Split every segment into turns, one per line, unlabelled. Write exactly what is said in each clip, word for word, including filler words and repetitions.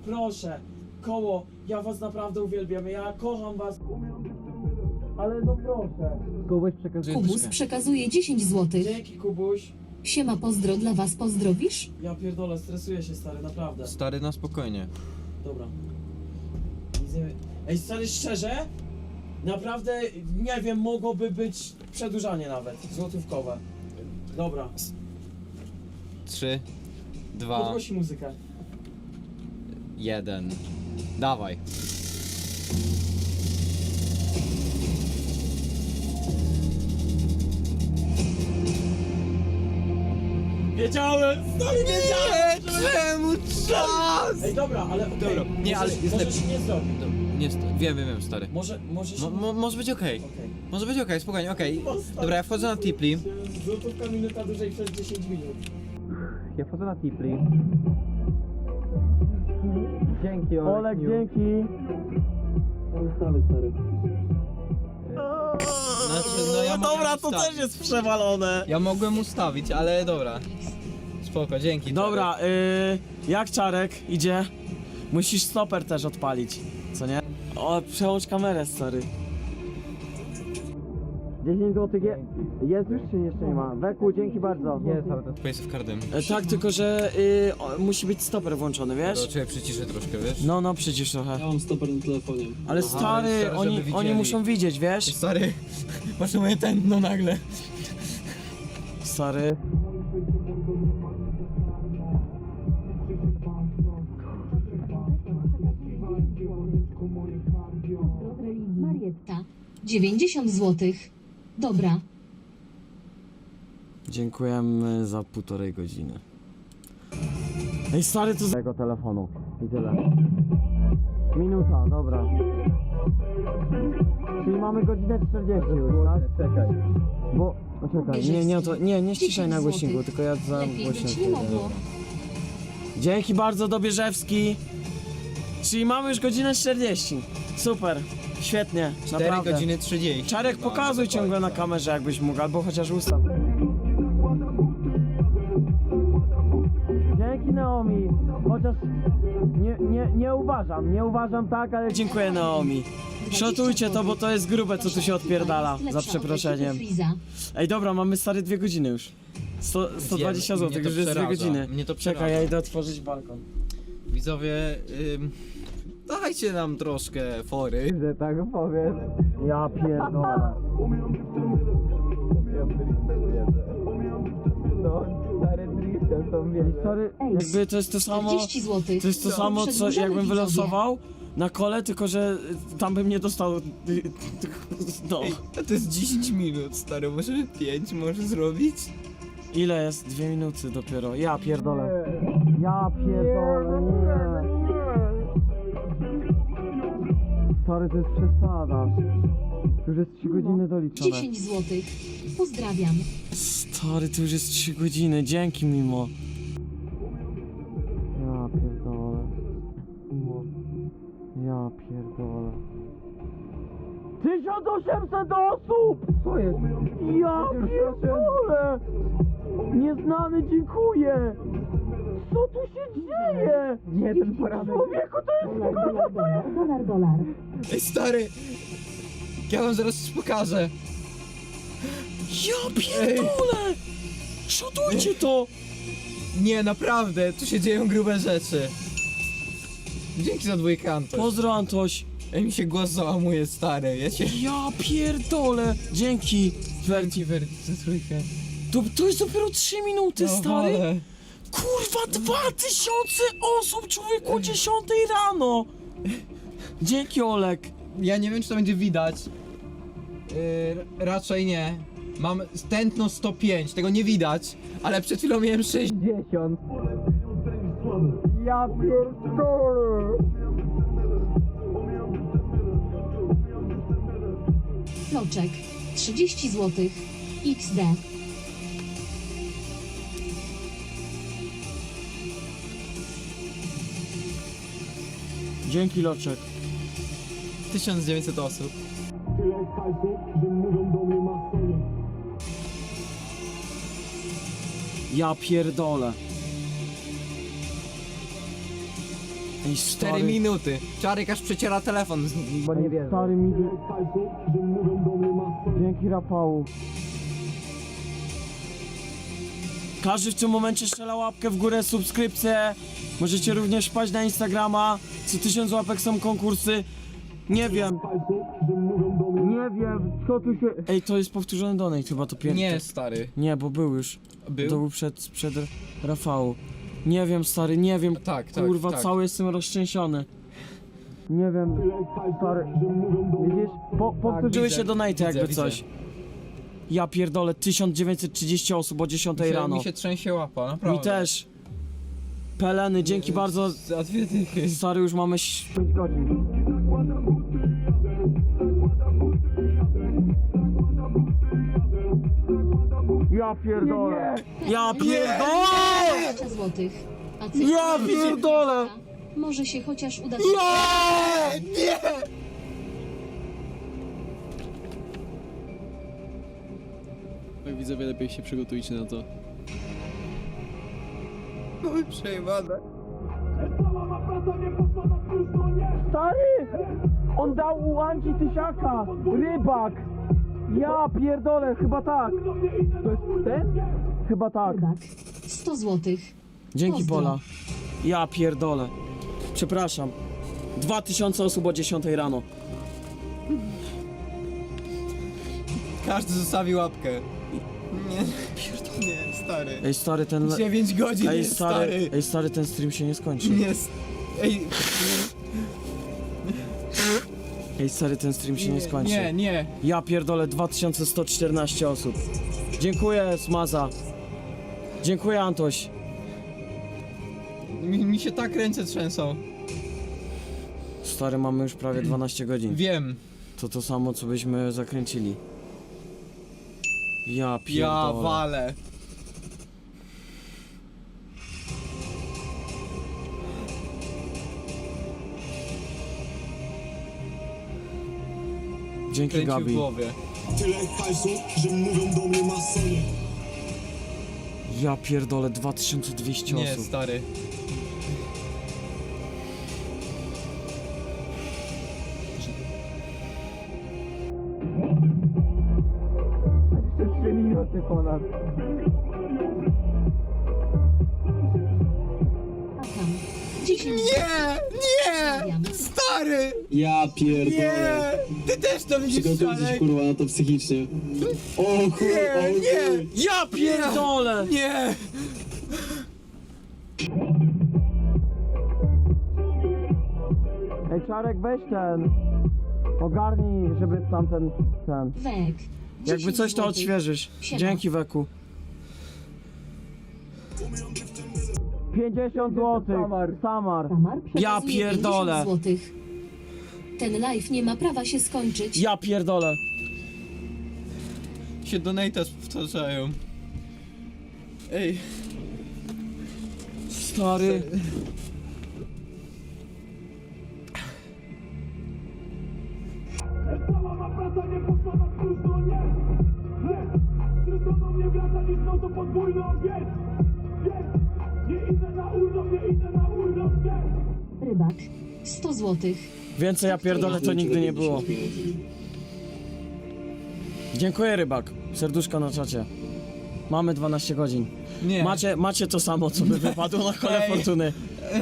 proszę, koło, ja was naprawdę uwielbiam, ja kocham was. Ale no proszę.
Kubuś przekazuje
Kubus
troszkę.
przekazuje dziesięć złotych.
Dzięki, Kubuś.
Siema, pozdro dla was, pozdrowisz?
Ja pierdolę, stresuję się, stary, naprawdę.
Stary, na spokojnie.
Dobra. Nic nie... Ej, stary, szczerze? Naprawdę, nie wiem, mogłoby być przedłużanie nawet, złotówkowe. Dobra,
Trzy, dwa,
podgłosi muzykę.
jeden. Dawaj.
Wiedziałem, stary, wiedziałem!
Czemu czas?
Ej, dobra, ale okej.
Dobra, nie, ale jest
Może
lepiej.
się nie zrobi.
Nie, st- wiem, wiem, wiem, stary.
Może, może się...
Mo, mo, może być okej.
Okej.
Może być okej, spokojnie, okej.
No, stary.
Dobra, ja wchodzę na Tipli.
Złotówka minuta dłużej przez dziesięć minut.
Ja wchodzę na Tipli. Dzięki, Olek.
Olek,
miło.
dzięki. Ustawy, stary.
Znaczy, no ja mogłem
Dobra, to
ustawić.
też jest przewalone.
Ja mogłem ustawić, ale dobra. Spoko, dzięki.
Dobra, yy, jak Czarek idzie? Musisz stoper też odpalić, co nie? O, przełącz kamerę, stary. dziesięć złotych je... jest już czy jeszcze nie ma? Weku, dzięki bardzo.
Jest, ale to jest Face of Cardem.
E, tak, tylko że yy, o, musi być stoper włączony, wiesz?
To ciebie przyciszę troszkę, wiesz?
No, no, przecież trochę.
Ja mam stoper na telefonie.
Ale
Aha,
stary,
ale stary,
oni,
żeby
oni
widzieli.
muszą widzieć, wiesz?
Stary, patrz na moje tętno nagle.
Stary.
Marietta. dziewięćdziesiąt złotych. Dobra.
Dziękujemy za półtorej godziny. Ej, stary, to z tego telefonu. I tyle. Minuta, dobra. Czyli mamy godzinę czterdzieści już, tak?
Czekaj.
Bo... No czekaj, nie, nie, to, nie, nie ściszaj na głośniku, tylko ja za
Lepiej
głośno.
być nie mogło.
Dzięki bardzo, Dobieżewski. Czyli mamy już godzinę czterdzieści. Super, świetnie,
cztery
naprawdę.
godziny trzydzieści.
Czarek,
No,
pokazuj
no,
ciągle na
tak.
kamerze, jakbyś mógł, albo chociaż ustaw. Dzięki, Naomi. Chociaż nie, nie, nie uważam, nie uważam tak, ale dziękuję, Naomi. Szotujcie to, bo to jest grube, co tu się odpierdala, za przeproszeniem. Ej, dobra, mamy stary dwie godziny już. sto, sto dwadzieścia
Wiem,
złotych,
mnie to
już jest dwie
przeraża,
godziny.
mnie to
Czekaj,
przeraża.
ja idę otworzyć balkon.
Widzowie, ym, dajcie nam troszkę fory, że tak powiem.
Ja pierdolę.
No, stary driftem są
Ej, sorry, jakby to jest to samo,
czterdzieści złotych.
to jest to samo, co
Przedłużamy,
jakbym
widzowie.
wylosował na kole, tylko że y, tam bym nie dostał, y, y, no.
Ej, a to jest dziesięć minut, stary, może pięć może zrobić?
Ile jest? Dwie minuty dopiero, ja pierdolę. Ja pierdolę, nie. Stary, to jest przesada. To już jest trzy godziny doliczone.
dziesięć złotych. Pozdrawiam.
Stary, to już jest trzy godziny, dzięki mimo. Ja pierdolę. Ja pierdolę. tysiąc osiemset osób! Co jest? Ja pierdolę! Nieznany, dziękuję! Co tu się dzieje?
Nie, ten poranek.
Człowieku, to jest kurwa, to jest...
Dolar, dolar.
Ej, stary! Ja wam zaraz coś pokażę.
Ja pierdolę! Szotujcie to!
Nie, naprawdę, tu się dzieją grube rzeczy. Dzięki za dwójkanto.
Pozdro, Antoś.
Ej, mi się głos załamuje, stary, wiecie?
Ja pierdolę! Dzięki, Werti.
Dzięki, Werti, za trójkę.
To, to jest dopiero trzy minuty, stary!
ale-
Kurwa, dwa tysiące osób, człowieku, o dziesiątej rano! Dzięki, Olek.
Ja nie wiem, czy to będzie widać. Yy, raczej nie. Mam tętno sto pięć, tego nie widać, ale przed chwilą miałem sześćdziesiąt.
Ja pierdolę!
Loczek. trzydzieści złotych. iks de.
Dzięki, Loczek.
tysiąc dziewięćset osób.
Tyle hajsu, że mówią do mnie masonie.
Ja pierdolę. Ej,
cztery
stary.
minuty. Czarek aż przeciera telefon, z- bo nie
Ej,
wie.
stary mi...
hajsu, że mówią do mnie masony.
Dzięki Rafału. Każdy w tym momencie strzela łapkę w górę, subskrypcję. Możecie również wpaść na Instagrama. Co tysiąc łapek są konkursy. Nie wiem.
Hajsu, że mówią do mnie
Nie wiem, co tu się... Ej, to jest powtórzony donate chyba to pierwszy.
Nie, stary.
Nie, bo był już.
Był?
To był przed, przed Rafału. Nie wiem, stary, nie wiem.
Tak, tak,
Kurwa,
tak.
cały jestem roztrzęsiony. Nie wiem.
tyle hajsu,
Stary.
że mówią do mnie
Widzisz? Po, powtórzyły
widzę,
się donate
widzę,
jakby
widzę.
coś. Ja pierdolę, tysiąc dziewięćset trzydzieści osób o dziesiątej
Mi się,
rano.
mi się trzęsie łapa, naprawdę.
Mi też. Peleny, dzięki bardzo.
Za dwie dychy.
Stary, już mamy pięć godzin. Ja pierdolę. Ja pierdolę!
dwadzieścia złotych. A cyfra
Ja pierdolę!
może się chociaż uda.
Nie! Nie!
Tak widzowie, lepiej się przygotujcie na to.
Oj, przejebane.
Stary! On dał u Anci tysiaka! Rybak! Ja pierdolę, chyba tak! To jest ten? Chyba tak.
Rybak. sto złotych.
Dzięki
Pozdro.
Pola. Ja pierdolę. Przepraszam. Dwa tysiące osób o dziesiątej rano.
Każdy zostawi łapkę. Nie, nie, stary.
Ej stary, ten... le-
dziewięć godzin
Ej
jest,
stary,
stary.
ej stary, ten stream się nie skończy.
Nie, s- ej,
Ej stary, ten stream się nie skończy.
nie, nie.
Ja pierdolę, dwa tysiące sto czternaście osób. Dziękuję Smaza. Dziękuję Antoś.
Mi, mi się tak ręce trzęsą.
Stary, mamy już prawie dwanaście godzin.
Wiem.
To to samo, co byśmy zakręcili. Ja
Ja
pierdolę.
walę.
Dzięki
Kręci w
Gabi.
głowie.
tyle hajsu, że mówią do mnie masony.
Ja pierdolę, dwa tysiące dwieście
Nie,
osób.
stary.
trzy minuty ponad.
A tam. dziesięć
Nie! Nie!
Pozdrawiam.
Stary!
Ja
Nie!
pierdolę!
Ty też to widzisz,
Przygotujcie się
Czarek?
kurwa na to psychicznie. O kurwa,
Nie,
o
nie!
Ja pierdolę!
Nie!
Ej Czarek, weź ten. Ogarnij, żeby tamten, ten.
Wek.
Jakby
dziesięć
coś to
złotych.
odświeżysz.
Siema.
Dzięki Weku. pięćdziesiąt złotych. Samar.
Samar
Ja
przekazuje
pierdolę.
pięćdziesiąt złotych. Ten live nie ma prawa się skończyć.
Ja pierdolę.
Się donate'a powtarzają. Ej,
Stary.
Cała ma praca nie poszła na próżno, nie! Nie! Wszystko do mnie wraca, dziś no to podwójny obiekt! Nie! Nie idę na urlop, nie idę na urlop, nie!
Rybak. sto złotych.
Więcej ja pierdolę to nigdy nie było. Dziękuję Rybak. Serduszko na czacie. Mamy dwanaście godzin.
nie.
Macie, macie to samo, co by wypadło na kole
Ej.
fortuny.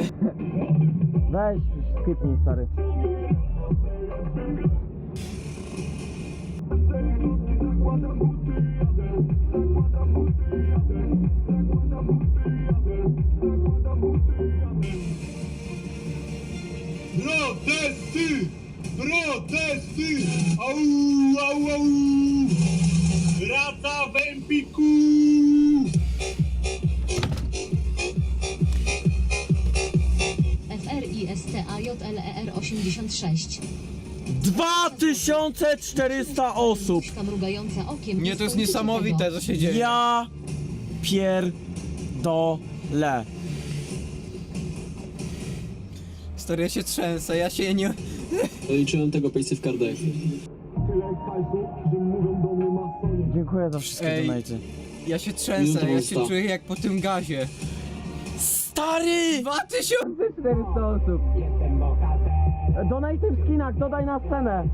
Weź, skipnij stary.
Protesty! Protesty! Au, au, au! Raca w Empiku!
F R I S T A J L E R osiemdziesiąt sześć.
dwa tysiące czterysta osób.
Puszka mrugająca okiem.
Nie, to jest
Nie
niesamowite,
tego.
co się dzieje.
Ja pierdolę.
Stary, ja się trzęsę, ja się nie...
Liczyłem tego pejsy w kardach.
Tyle hajsu, że mówią do mnie masony.
Dziękuję za wszystkie
Ej.
donaty.
Ja się trzęsę,
Minuta
ja się
usta.
czuję jak po tym gazie.
Stary!
dwa tysiące czterysta osób.
Donate w skinach, dodaj na scenę.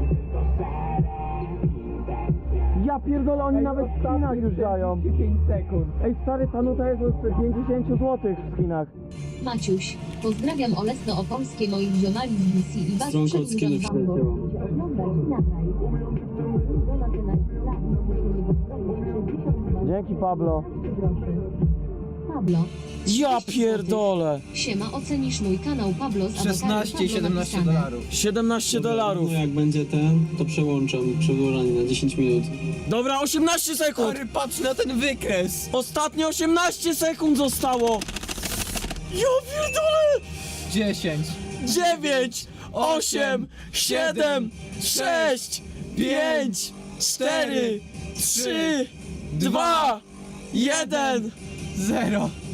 Ja pierdolę, oni nawet w skinach już dają.
pięć sekund.
Ej stary, ta nuta jest od pięćdziesiąt złotych w skinach.
Maciuś, pozdrawiam Olesno-Opolskie moich ziomali z D C i was
Stronka od
przedłużam
skinów
wam, bo
przyleciała.
chcecie oglądać i nagraj. Donaty na lat, no muszę nie pozdrowić, sześćdziesiąt dwa
Dzięki, Pablo.
groszy. Pablo.
Ja pierdolę.
Siema, ocenisz mój kanał Pablo z awataru
szesnaście i
Pablo
siedemnaście
napisane.
dolarów.
siedemnaście dolarów.
No jak będzie ten, to przełączam przedłużanie na dziesięć minut.
Dobra, osiemnaście sekund.
Stary, patrz na ten wykres.
Ostatnie osiemnaście sekund zostało. Ja pierdolę.
dziesięć.
dziewięć, osiem, siedem, sześć, pięć, cztery, trzy, dwa, jeden.
zero.